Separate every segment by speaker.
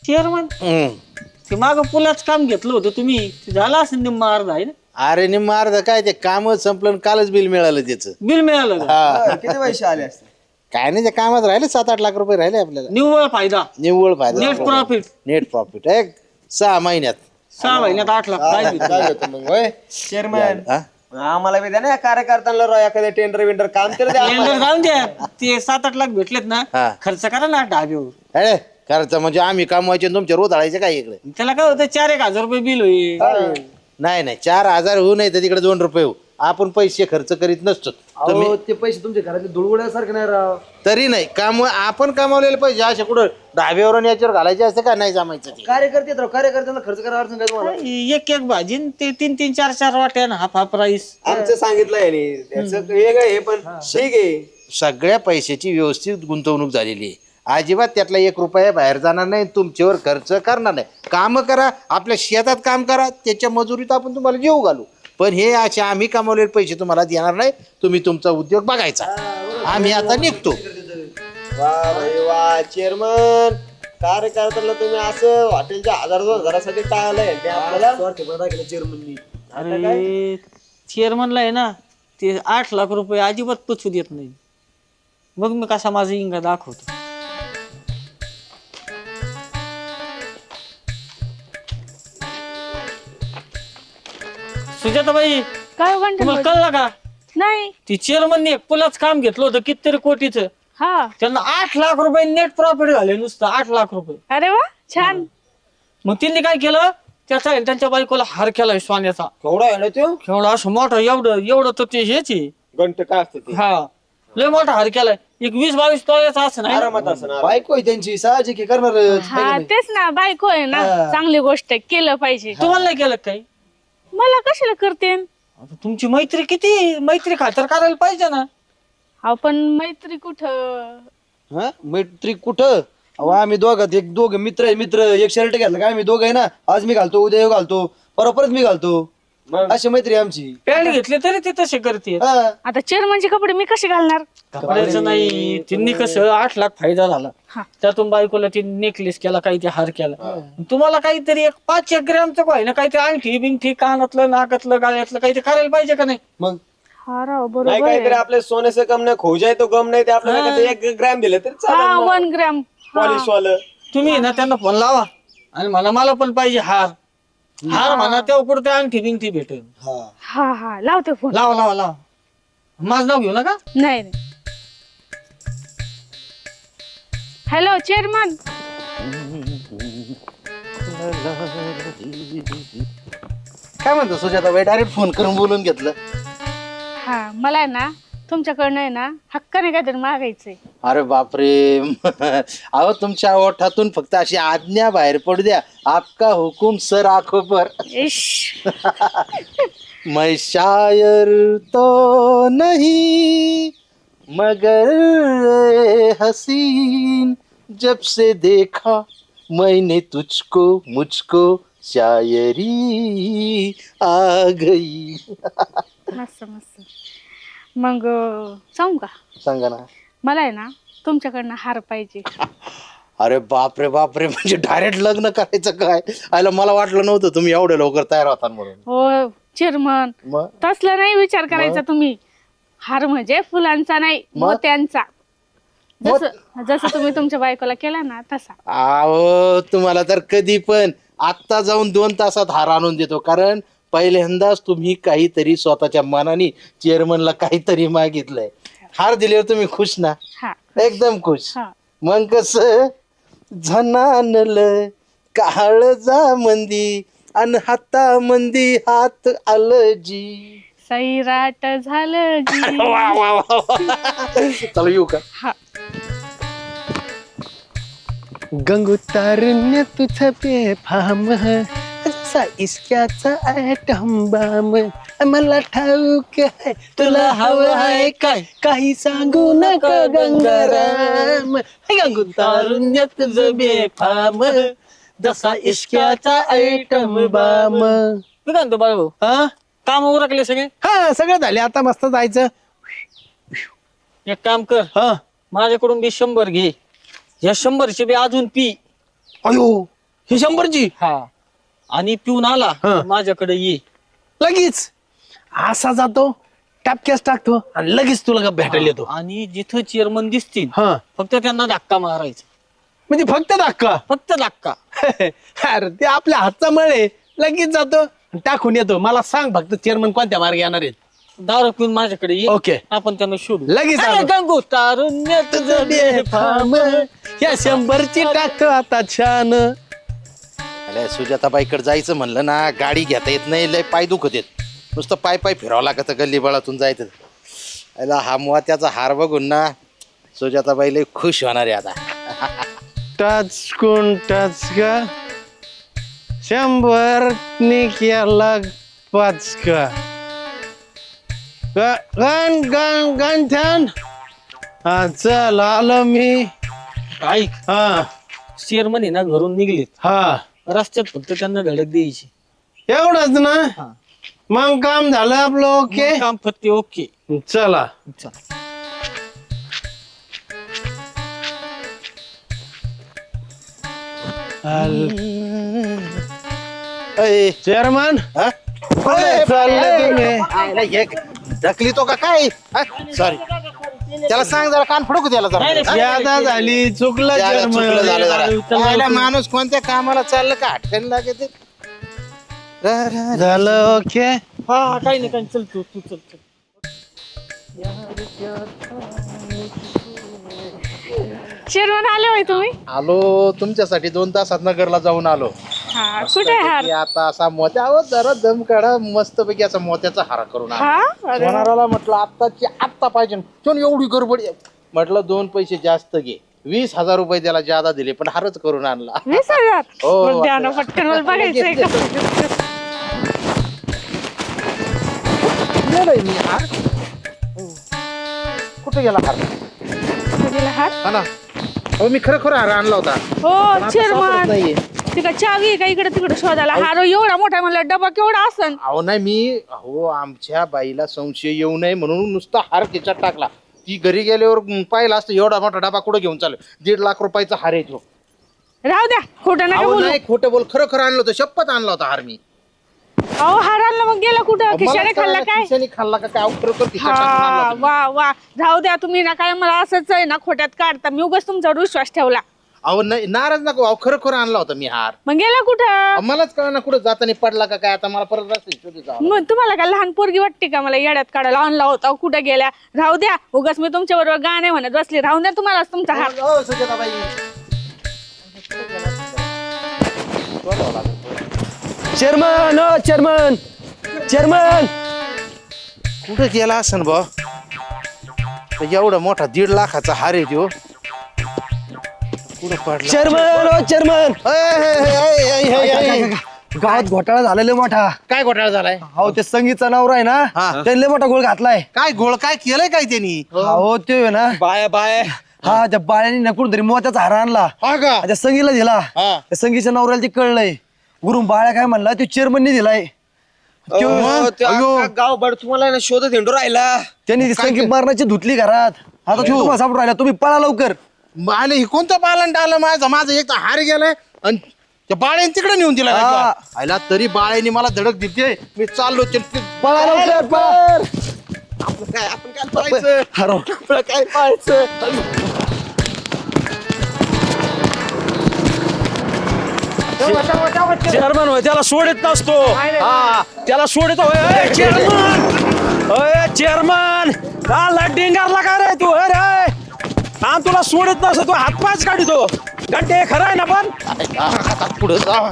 Speaker 1: Chairman ते माग पुलाच काम घेतलं होतं तुम्ही, ते झालं असेल निम्मा अर्धा आहे ना?
Speaker 2: अरे निम्मा अर्ध काय ते कामच संपलं आणि कालच बिल मिळालं त्याचं.
Speaker 1: बिल मिळालं का?
Speaker 2: हा
Speaker 3: किती पैसे आले असते?
Speaker 2: काय नाही, त्या कामात राहिले 7-8 लाख रुपये राहिले आपल्याला.
Speaker 1: निव्वळ फायदा,
Speaker 2: निव्वळ फायदा,
Speaker 1: नेट प्रॉफिट.
Speaker 2: नेट प्रॉफिट एक 6 महिन्यात.
Speaker 1: 6 महिन्यात 8 लाख काय भेटलं?
Speaker 3: काय होतं मग होय चेअरमॅन?
Speaker 2: हा?
Speaker 3: आम्हाला बी द्या ना कार्यकर्त्यांना राव एखाद्या टेंडर विंडर काम तर द्या आम्हाला.
Speaker 1: टेंडर जाऊन द्या, ते 7-8 लाख भेटलेत ना,
Speaker 2: हा.
Speaker 1: खर्च करा ना ढाब्यावर.
Speaker 2: अरे खर्च म्हणजे आम्ही कमवायचे तुमचे रोज आळायचे काय इकडे?
Speaker 1: त्याला काय होतं 4-1 हजार रुपये बिल होईल.
Speaker 2: नाही 4,000 होऊ नाही तर तिकडे 2 रुपये होऊ. आपण पैसे खर्च करीत नसतो. तुम्ही
Speaker 3: अहो, ते पैसे तुमच्या घरातले धुळवड्यासारखे नाही राव.
Speaker 2: तरी नाही काम आपण कमावलेले पैसे असे कुठं ढाब्यावर आणि याच्यावर घालायचे असते का? नाही जमायचं ते.
Speaker 3: कार्यकर्ते आहेत राव, कार्यकर्त्यांना खर्च करावा अडचण काय तुम्हाला?
Speaker 1: एक भाजी न ते 3-3, 4-4 वाट्या ना हाफ राईस.
Speaker 3: आमचं सांगितलं आहे त्याचं वेगळं आहे पण ठीक आहे.
Speaker 2: सगळ्या पैशाची व्यवस्थित गुंतवणूक झालेली आहे. अजिबात त्यातला 1 रुपया बाहेर जाणार नाही, तुमच्यावर खर्च करणार नाही. काम करा, आपल्या शेतात काम करा, त्याच्या मजुरीत आपण तुम्हाला जीव घालू. पण हे असे आम्ही कमावलेले पैसे तुम्हाला देणार नाही. तुम्ही तुमचा उद्योग बघायचा. आम्ही आता निघतो.
Speaker 3: वा भाई वा चेअरमन, कार्यकर्त्यांना तुम्ही असं हॉटेलच्या 1000-2000साठी टाळलंय ते आपल्याला चेअरमननी.
Speaker 1: अरे चेअरमनला आहे ना ते 8 लाख रुपये अजिबात पचू देत नाही. मग मी कसा माझा इंगा दाखवतो. सुजाताबाई,
Speaker 4: काय म्हणतो
Speaker 1: तुम्हाला कळलं का?
Speaker 4: नाही?
Speaker 1: ती चेअरमनने एक पुलाच काम घेतलं होतं कितीतरी कोटीचं.
Speaker 4: हा.
Speaker 1: त्यांना 8 लाख रुपये नेट प्रॉफिट झाले, नुसतं 8 लाख रुपये.
Speaker 4: अरे वा, छान.
Speaker 1: मग त्यांनी काय केलं, त्याचा आहे त्यांच्या बायकोला हार केलाय सोन्याचा.
Speaker 3: केवढा आहे ना तो
Speaker 1: एवढा असं मोठा, एवढं तर ते हेच आहे.
Speaker 3: घंट काय असतं ते
Speaker 1: हा, लय मोठा हार केलाय. एक 20-22 तोळ्याचा असं नाही.
Speaker 3: आरामात असणार. बायको आहे त्यांची साहजिक आहे, करणार.
Speaker 4: हा तेच ना, बायको आहे ना, चांगली गोष्ट आहे, केलं पाहिजे.
Speaker 1: तुम्हाला नाही केलं काही?
Speaker 4: मला कशाला करते?
Speaker 1: आता तुमची मैत्री किती, मैत्री खातर करायला पाहिजे ना.
Speaker 4: आपण मैत्री कुठं?
Speaker 3: हा मैत्री कुठं? अहो आम्ही दोघं मित्र आहे, मित्र एक शर्ट घातलं का आम्ही दोघं आहे ना, आज मी घालतो, उद्या ह्यो घालतो, परत मी घालतो, अशी मैत्री आहे आमची.
Speaker 1: पॅन्ट घेतले तरी ते तसे करते.
Speaker 3: हा.
Speaker 4: आता चेअरमनचे कपडे मी कसे घालणार?
Speaker 1: कपड्याचं नाही, त्यांनी कसं 8 लाख फायदा झाला.
Speaker 4: हा.
Speaker 1: त्यातून बायकोला ते नेकलेस केला, काही ते हार केला. तुम्हाला काहीतरी एक 5-1 ग्रॅमचं काय ना, काही ते अंगठी बिंगठी कानातलं नाकातलं गाळ्यातलं काही ते करायला पाहिजे का नाही?
Speaker 3: मग
Speaker 4: हा राव,
Speaker 3: नाही
Speaker 4: बरोबर
Speaker 3: काहीतरी
Speaker 4: आहे.
Speaker 3: आपल्या सोन्याचं कम नाही, खोजा आहे तो गम नाही, ते आपल्याला 1 ग्रॅम दिलं तरी
Speaker 4: हा,
Speaker 3: चालेल.
Speaker 4: 1 ग्रॅम.
Speaker 3: पॉलिश वालं.
Speaker 1: तुम्ही ना त्यांना फोन लावा आणि मला पण पाहिजे हार. हार म्हणा, तेव्हा कुठं ते अंगठी बिंगठी भेटेल.
Speaker 3: हा
Speaker 4: हा हा, लावते फोन.
Speaker 1: लावा. माझं नाव घेऊ नका.
Speaker 4: नाही. Hello chairman.
Speaker 2: काय म्हणतो सुजाताबाई? डायरेक्ट फोन करून बोलून घेतलं.
Speaker 4: हा, मला आहे ना तुमच्याकडनं आहे ना हक्काने काहीतरी मागायचंय.
Speaker 2: अरे बापरे. अहो तुमच्या ओठातून फक्त अशी आज्ञा बाहेर पडू द्या. आपका हुकुम सर आंखों पर.
Speaker 4: इश.
Speaker 2: मैं शायर तो नहीं मगर हसीन जब से देखा मैंने तुझको मुझको शायरी आ गई.
Speaker 4: मस्त. मग सांगू का?
Speaker 2: सांगा ना.
Speaker 4: मला आहे ना तुमच्याकडनं हार पाहिजे.
Speaker 2: अरे बापरे म्हणजे डायरेक्ट लग्न करायचं काय? आयला मला वाटलं नव्हतं तुम्ही एवढे लवकर तयार होता म्हणून.
Speaker 4: हो चेअरमन,
Speaker 2: मग
Speaker 4: तसला नाही विचार करायचा तुम्ही. हार म्हणजे फुलांचा नाही, मोत्यांचा. जसं तुम्ही तुमच्या बायकोला केला ना तसा.
Speaker 2: अहो तुम्हाला तर कधी पण आत्ता जाऊन 2 तासात हार आणून देतो. कारण पहिल्यांदाच तुम्ही काहीतरी स्वतःच्या मनाने चेअरमनला काहीतरी मागितलंय. हार दिल्यावर तुम्ही खुश ना?
Speaker 4: हा.
Speaker 2: एकदम खुश.
Speaker 4: हा.
Speaker 2: मग कस झनानल काळजा मंदी अन हाता मंदी हात आलं जी.
Speaker 4: सैराट झालं जी.
Speaker 2: वा. चला येऊ का?
Speaker 4: हा.
Speaker 5: गंगोतारण्य तुझं बेफाम असा इश्काचा ॲटम बम. मला ठाऊक आहे तुला हवं आहे काय, काही सांगू नका गंगाराम. गंगोतारण्य तुझं बेफाम जसा इश्काचा ॲटम बम.
Speaker 1: मी काय म्हणतो बाळू,
Speaker 5: हा
Speaker 1: काम उरकले सगळे?
Speaker 5: हा सगळं झाले, आता मस्त जायचं.
Speaker 1: एक काम कर,
Speaker 5: हा
Speaker 1: माझ्याकडून बी 100 घे. या 100चे बी अजून पी.
Speaker 5: अयो ही 100ची
Speaker 1: हा आणि पिऊन आला
Speaker 5: हा.
Speaker 1: माझ्याकडे ये.
Speaker 5: लगेच असा जातो टापक्यास टाकतो आणि लगेच तुला भेटायला येतो.
Speaker 1: आणि जिथं चेअरमन दिसतील
Speaker 5: हा
Speaker 1: फक्त त्यांना धक्का मारायचा,
Speaker 5: म्हणजे फक्त धक्का.
Speaker 1: फक्त धक्का.
Speaker 5: अरे ते आपल्या हातचा मळे लगेच जातो आणि टाकून येतो. मला सांग फक्त चेअरमन कोणत्या मार्गे येणार आहेत.
Speaker 1: दारू पिऊन माझ्याकडे ये.
Speaker 5: ओके.
Speaker 1: आपण त्यांना शोधू.
Speaker 5: लगेच
Speaker 1: अरे
Speaker 5: आलो.
Speaker 1: गंगू तारुण्य तुझं बेफाम.
Speaker 5: या 100ची टाकतो आता छान.
Speaker 2: अरे सुजाताबाईकडे जायचं म्हणलं ना, गाडी घेता येत नाही, लय पाय दुखत येत, नुसतं पाय पाय फिरावं लागतं गल्लीबळातून जायचं. याला हा मोत्याचा हार बघून ना सुजाताबाई लय खुश होणार आहे आता.
Speaker 5: टच कोण टच का 100 नि केला 5 का गण गण गंठन. हा चल आलो मी.
Speaker 1: ऐक,
Speaker 5: हा
Speaker 1: चेअरमन आहे ना घरून निघलेत,
Speaker 5: हा
Speaker 1: रस्त्यात फक्त त्यांना धडक द्यायची.
Speaker 5: एवढंच ना.
Speaker 1: हा.
Speaker 5: मग काम झालं आपलं. ओके
Speaker 1: मग काम फक्त ओके.
Speaker 5: चला.
Speaker 1: चल.
Speaker 2: अय,
Speaker 5: चेअरमन
Speaker 2: हा?
Speaker 5: चाललंय तुम्ही.
Speaker 2: आयला एक ढकली तो का काय? सॉरी, त्याला सांग जरा, कान फडकू त्याला
Speaker 1: नाही,
Speaker 2: जरा.
Speaker 1: नाही,
Speaker 5: यादा झाली चुकलं
Speaker 2: त्याला चुकलं झालं
Speaker 5: चेअरमन.
Speaker 2: जरा. आयला माणूस कोणत्या कामाला चाललं का अटकन लागते.
Speaker 5: झालं ओके.
Speaker 1: हा काही नाही, काही चल तू चल चल.
Speaker 4: चेअरमन आले होय तुम्ही?
Speaker 2: आलो तुमच्यासाठी 2 तासात नगरला जाऊन आलो.
Speaker 4: हा कुठे आहे हार?
Speaker 2: की आता असा मोत्या जरा दम काढा, मस्त पैकी असा मोत्याचा हार करून आणा.
Speaker 4: हा अरे वा.
Speaker 2: सोनाराला म्हटलं आत्ताची आत्ता पाहिजे, पण एवढी गडबड आहे. म्हटलं 2 पैसे जास्त घे, 20,000 रुपये त्याला ज्यादा दिले, पण हारच करून आणला.
Speaker 4: 20,000?
Speaker 2: हो,
Speaker 4: मग द्या ना पटकन, मला बघायचंय का.
Speaker 2: नेलंय मी हार. कुठे गेला हार?
Speaker 4: कुठे गेला हार?
Speaker 2: हा ना, हो मी खरं हार आणला होता.
Speaker 4: हो
Speaker 2: आता
Speaker 4: चेअरमन,
Speaker 2: सापडत नाहीये.
Speaker 4: ती का चावी आहे का इकडे तिकडे शोधायला? हार एवढा मोठा म्हणला, डबा केवढा असन?
Speaker 2: अहो नाही, मी आमच्या बाईला संशय येऊ नये म्हणून नुसता हार खिचात टाकला. ती घरी गेल्यावर पाहिला असतं एवढा मोठा डबा कुठं घेऊन चालू. 1.5 लाख रुपयाचा हार आहे तो.
Speaker 4: राहू द्या, खोटं नका
Speaker 2: अहो
Speaker 4: बोलू.
Speaker 2: नाही, खोटं बोल, खरं आणलं होतं, शपथ आणला होता हार मी.
Speaker 4: अहो हार आणला मग गेला कुठं? खिशाने खाल्ला काय?
Speaker 2: खिशाने खाल्ला का काय? अहो, खरोखर खिशात टाकून आणला
Speaker 4: हा
Speaker 2: होता मी.
Speaker 4: वा वा, राहू द्या तुम्ही ना, काय मला असंच आहे ना खोट्यात काढता. मी उगाच तुमच्यावर विश्वास ठेवला.
Speaker 2: अहो नाही, नाराज नको. अहो खरं आणला होता मी हार.
Speaker 4: मग गेला कुठं?
Speaker 2: अहो, मलाच कळना कुठं जाताना पडला का काय. आता मला परत रस्ते शोधत जावं.
Speaker 4: मग तुम्हाला काय लहान पोरगी वाटते का मला येड्यात काढायला? आणला होता कुठं गेल्या? राहू द्या, उगाच मी तुमच्या बरोबर गाणे म्हणत बसले. राहू द्या तुम्हाला तुमचा हार.
Speaker 2: हो, सुजाताबाई.
Speaker 5: Chairman chairman chairman.
Speaker 2: कुठं गेला असन बा? एवढा मोठा 1.5 लाखाचा हार आहे तो. कुठं पडला?
Speaker 5: Chairman chairman. गावात घोटाळा झालेला मोठा.
Speaker 2: काय घोटाळा झालाय?
Speaker 3: हो ते संगीतचा नवरा आहे ना,
Speaker 2: हा.
Speaker 3: त्यांनी लय मोठा गोळ घातलाय.
Speaker 2: काय घोळ काय केलंय काय त्यांनी?
Speaker 3: हो ते आहे ना,
Speaker 5: बाय बाय.
Speaker 3: हा त्या बाळ्याने ना कुठून तरी मोत्याचा हार आणला,
Speaker 2: हा का?
Speaker 3: त्या संगीला दिला.
Speaker 2: हा.
Speaker 3: त्या संगीच्या नवऱ्याला ते कळलंय. गुरुम बाळ्या काय म्हणला, तो चेअरमनने दिलाय.
Speaker 5: गाव तुम्हाला ना शोधत हिंडू राहिला.
Speaker 3: त्यांनी ती संगीत मारण्याची धुतली घरात. आता तो तुम्हाला सापडून राहिला, तुम्ही पळा लवकर.
Speaker 2: आले हे कोणतं पालन आलं माझं एक तर हार गेलाय आणि त्या बाळ्याने तिकडे नेऊन दिला.
Speaker 3: हा.
Speaker 2: आयला तरी बाळ्याने मला धडक दिली. मी चाललो
Speaker 3: पळा लवकर पळा.
Speaker 2: आपण काय पाहायचं?
Speaker 3: हरव.
Speaker 2: आपलं काय पाहायचं?
Speaker 5: चेअरमन होय, त्याला सोडित नसतो. हा त्याला सोडित होय. चेअरमन होय, चेअरमन का डिंगारला काय रे तू? अरे हा तुला सोडित नसतो, तू हातपायच काढतो. घंटे खरं आहे ना? पण
Speaker 2: आता पुढं जा.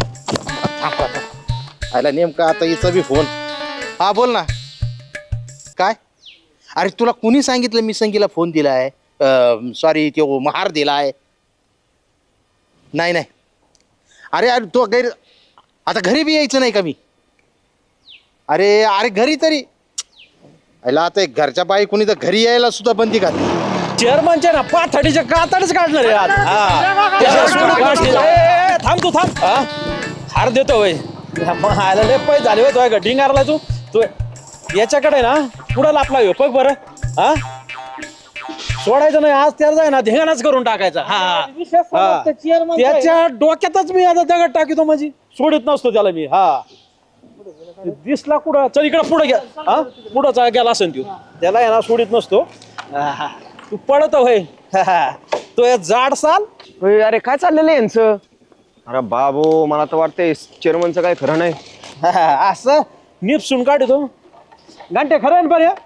Speaker 2: आयला नेमका आता हिचा बी फोन. हा बोल ना. काय? अरे तुला कुणी सांगितलं मी संगीला फोन दिलाय? सॉरी, तो हार दिलाय. नाही नाही. अरे अरे तो आता घरी बी यायचं नाही का मी? अरे अरे घरी तरी आयला आता घरच्या बाई कुणी तर घरी यायला सुद्धा बंदी घातली.
Speaker 5: चेअरमनच्या ना पाथडीच्या कातडच काढणार आहे आज. हा. त्याला सोडून काढतील. ए, थांब तू थांब. हा? हार देतो होय. आयला लय पै झाले होय तुझ्या डिंगारला. तू याच्याकडे ना पुढं लापला हो बघ बरं. हा सोडायचं नाही आज त्याला जाय ना धिंगाणाच करून टाकायचा. हा
Speaker 1: विषय समजतं, chairman काय?
Speaker 5: त्याच्या डोक्यातच मी आता दगड टाकितो म्हणजे सोडित नसतो त्याला मी. हा दिसला कुठं चल इकडे पुढे घ्या. हा पुढं गेला असेल तू त्याला आहे ना सोडित नसतो. तू पळत होय तो या जाड साल.
Speaker 6: अरे काय चाललेलं आहे यांचं? अरे बाबू मला तर वाटतंय चेअरमनचं काय खरं नाही.
Speaker 5: असं निपसून काढतो घंटे खरं आहे ना बरं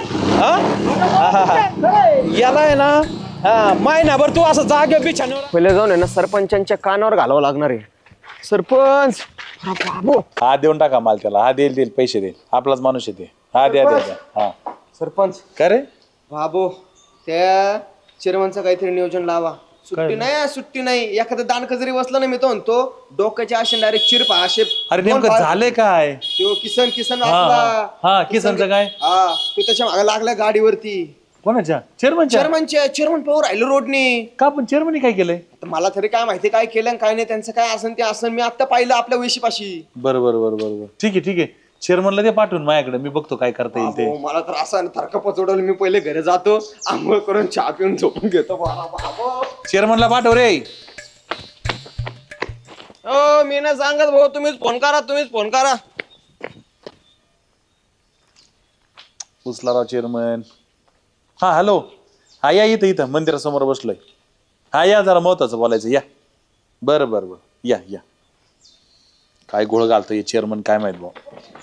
Speaker 5: याला आहे ना. हा महिनाभर तू असं जागे बिछाण्यावर.
Speaker 6: पहिले जाऊन आहे ना सरपंचांच्या कानावर घालावं लागणार आहे. सरपंच अरे बाबू
Speaker 7: हा देऊन टाका माल त्याला. हा देईल पैसे देईल आपलाच माणूस येते. हा द्या. हा
Speaker 6: सरपंच
Speaker 7: का रे
Speaker 6: बाबू त्या चेअरमनचं काहीतरी नियोजन लावा. सुट्टी नाही एखादं दांडकं जरी बसलं ना मी तो म्हणतो डोक्याच्या असे डायरेक्ट चिरपा असे.
Speaker 7: अरे नेमकं झालंय काय?
Speaker 6: तो किसन
Speaker 7: हा किसनचं काय?
Speaker 6: हा तो त्याच्या मागे लागला गाडीवरती.
Speaker 7: कोणाच्या? चेअरमनच्या?
Speaker 6: चेअरमन पाहू राहिलो रोडनी.
Speaker 7: का पण चेअरमनने काय केलंय?
Speaker 6: तर मला तरी काय माहिती काय केलं आणि काय नाही त्यांचं काय असन ते असन. मी आता पाहिलं आपल्या वेशीपाशी.
Speaker 7: बरोबर ठीक आहे चेअरमनला ते पाठवून माझ्याकडे मी बघतो काय करता येईल ते.
Speaker 6: मला तर असं थरका पचवडवलं. मी पहिले घरी जातो आंघोळ करून चहा पिऊन झोपून घेतो.
Speaker 7: चेअरमनला पाठव रे.
Speaker 6: मी ना सांगत भाऊ तुम्हीच फोन करा.
Speaker 7: उचला राव चेअरमन. हा हॅलो. हा या इथं मंदिरासमोर बसलोय. हा या जरा महत्वाचं बोलायचं या. बरं या काय गोळ घालतोय चेअरमन काय माहित भाऊ.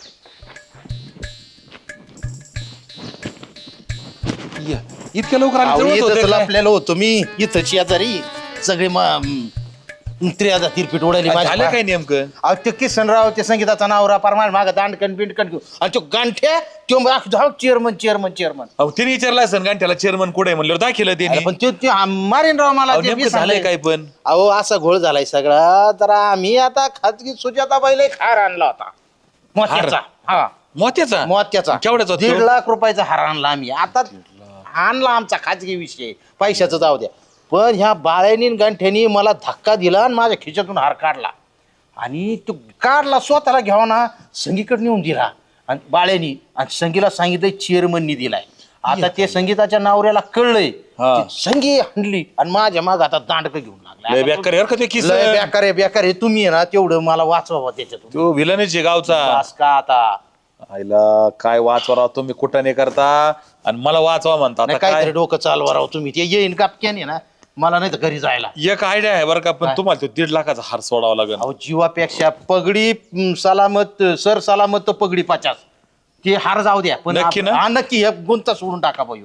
Speaker 7: इतक्या लवकर
Speaker 2: अहो,
Speaker 7: आले
Speaker 2: इथंच
Speaker 7: जवळच होते काय?
Speaker 2: लपलेलो होतो मी इथं शेजारी सगळे त्रियादा तिरपीट उडाली
Speaker 7: झालं काय नेमकं?
Speaker 2: अहो ते किसनराव ते संगीताचा नावरा परमार माग दांडकन बिंडकन घेऊ आणि तो गांठ्या तो चेअरमन
Speaker 7: अहो तिने विचारलं असं गांठ्याला चेअरमन कुठे म्हणल्यावर दाखिलं त्यांनी.
Speaker 2: पण ते मारेन राव मला
Speaker 7: अहो,
Speaker 2: ते
Speaker 7: नेमकं
Speaker 2: बी
Speaker 7: झालंय
Speaker 2: सांगेल.
Speaker 7: काय पण?
Speaker 2: अहो असा घोळ झालाय सगळा. तर आम्ही आता खाजगी सुजाताबाईला एक हार आणला होता मोत्याचा. हा
Speaker 7: मोत्याचा?
Speaker 2: मोत्याचा
Speaker 7: केवढ्याचा होता
Speaker 2: 1.5
Speaker 7: तो?
Speaker 2: लाख रुपयाचा हार आणला आम्ही. आता आणला आमचा खाजगी विषय पैशाचं जाऊ द्या. पण ह्या बाळ्यानी गंठ्यानी मला धक्का दिला आणि माझ्या खिशातून हार काढला आणि तो काढला स्वतःला घ्यावा ना संगीकडे नेऊन दिला आणि बाळ्यानी आणि संगीला सांगितलं चेअरमननी दिलाय. आता ते संगीताच्या नवऱ्याला कळलंय.
Speaker 7: हा.
Speaker 2: ती संगी हंडली आणि माझ्या माग आता दांडक घेऊन
Speaker 7: लय
Speaker 2: लागला.
Speaker 7: बेकार आहे बरं का ते किस्सा.
Speaker 2: लय बेकार आहे तुम्ही आहे ना तेवढं मला वाचवा त्याच्यातून.
Speaker 7: तो विलनच आहे गावचा.
Speaker 2: बस का आता
Speaker 7: आईला काय वाचवा तुम्ही कुठं नाही करता आणि मला वाचवा म्हणता. आता
Speaker 2: नाही,
Speaker 7: काय
Speaker 2: काहीतरी डोकं चालवा राव तुम्ही. ते येईन कापक्याने ना मला नाही तर घरी जायला.
Speaker 7: एक आयडिया आहे बरं का पण तुम्हाला तो 1.5 लाखाचा हार सोडावा लागेल.
Speaker 2: अहो जीवापेक्षा पगडी सलामत सर सलामत तो पगडी 50 ते हार जाऊ द्या. पण
Speaker 7: नक्की ना?
Speaker 2: हा नक्की हे गुंता सोडून टाका भाऊ.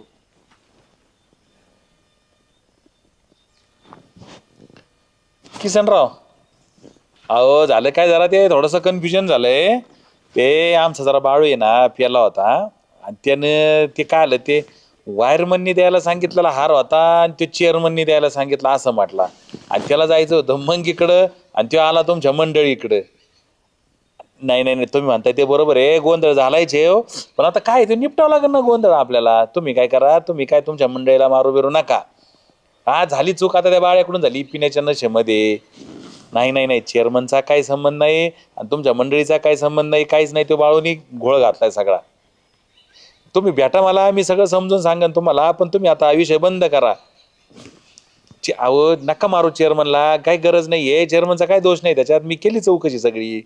Speaker 7: किसनराव अहो झालं काय जरा ते थोडस कन्फ्युजन झालंय. ते आमचा जरा बाळू आहे ना प्याला होता आणि त्यानं ते काय आलं ते वायरमननी द्यायला सांगितलेला हार होता आणि तो चेअरमननी द्यायला सांगितलं असं म्हटला आणि त्याला जायचं होतं मंगीकडं आणि तो आला तुमच्या मंडळीकडं. नाही तुम्ही म्हणताय ते बरोबर आहे गोंधळ झालायचे हो. पण आता काय ते निपटावं लागेल ना गोंधळ आपल्याला. तुम्ही काय करा तुम्ही काय तुमच्या मंडळीला मारू बिरू नका. हा झाली चूक आता त्या बाळ्याकडून झाली पिण्याच्या नशेमध्ये. नाही चेअरमनचा काही संबंध नाही आणि तुमच्या मंडळीचा काही संबंध नाही काहीच नाही. तो बाळूनी घोळ घातलाय सगळा. तुम्ही भेटा मला मी सगळं समजून सांगेन तुम्हाला. पण तुम्ही आता विषय बंद करा. अहो नका मारू चेअरमनला काही गरज नाहीये. चेअरमनचा काही दोष नाही त्याच्यात. मी केली चौकशी सगळी.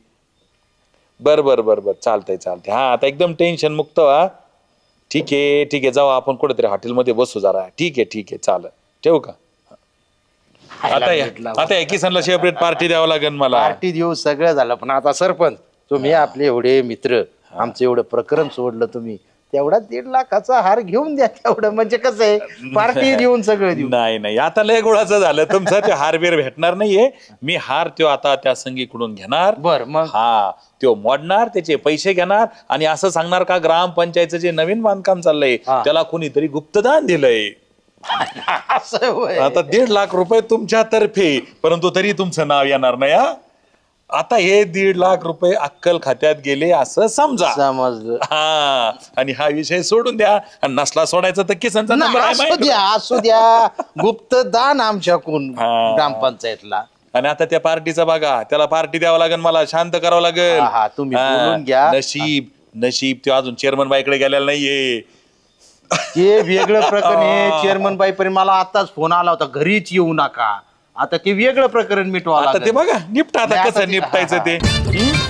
Speaker 7: बर चालतंय हा आता एकदम टेन्शन मुक्त व्हा. ठीक आहे जाऊ आपण कुठेतरी हॉटेलमध्ये बसू जरा. ठीक आहे चालेल ठेवू का? आता किसनला सेपरेट पार्टी द्यावं लागेल मला.
Speaker 2: पार्टी देऊ सगळं झालं. पण आता सरपंच तुम्ही आपले एवढे मित्र आमचं एवढं प्रकरण सोडलं तुम्ही तेवढा 1.5 लाखाचा हार घेऊन द्या. तेवढं म्हणजे कसं आहे पार्टी देऊन सगळं देऊ.
Speaker 7: नाही आता लय गुळाचं झालं तुमचं. ते हार बिर भेटणार नाहीये. मी हार तो आता त्या संगीकडून घेणार.
Speaker 2: बर मग
Speaker 7: हा तो मोडणार त्याचे पैसे घेणार आणि असं सांगणार का ग्रामपंचायतचं जे नवीन बांधकाम चाललंय त्याला कोणीतरी गुप्तदान दिलंय.
Speaker 2: असं होय.
Speaker 7: आता 1.5 लाख रुपये तुमच्या तर्फे परंतु तरी तुमचं नाव येणार नाही. आता हे 1.5 लाख रुपये अक्कल खात्यात गेले असं समजा.
Speaker 2: समजलं.
Speaker 7: हा आणि हा विषय सोडून द्या. आणि नसला सोडायचा तर किसनचा नंबर आहे माहिती.
Speaker 2: असू द्या गुप्त दान आमच्याकडून
Speaker 7: हा.
Speaker 2: ग्रामपंचायतला.
Speaker 7: आणि आता त्या पार्टीचा बघा त्याला पार्टी द्यावं लागेल मला. शांत करावं लागेल.
Speaker 2: हा, तुम्ही बोलून घ्या.
Speaker 7: नशीब तो अजून चेअरमन बाईकडे गेलेला नाहीये.
Speaker 2: ते वेगळं प्रकरण आहे. चेअरमन बाईपर्यंत मला आताच फोन आला होता, घरीच येऊ नका. आता ते वेगळं प्रकरण मिटवा
Speaker 7: आता ते
Speaker 2: लागेल.
Speaker 7: बघा निपटा आता
Speaker 2: नाही, आता
Speaker 7: कसं
Speaker 2: ते-
Speaker 7: निपटायचं ते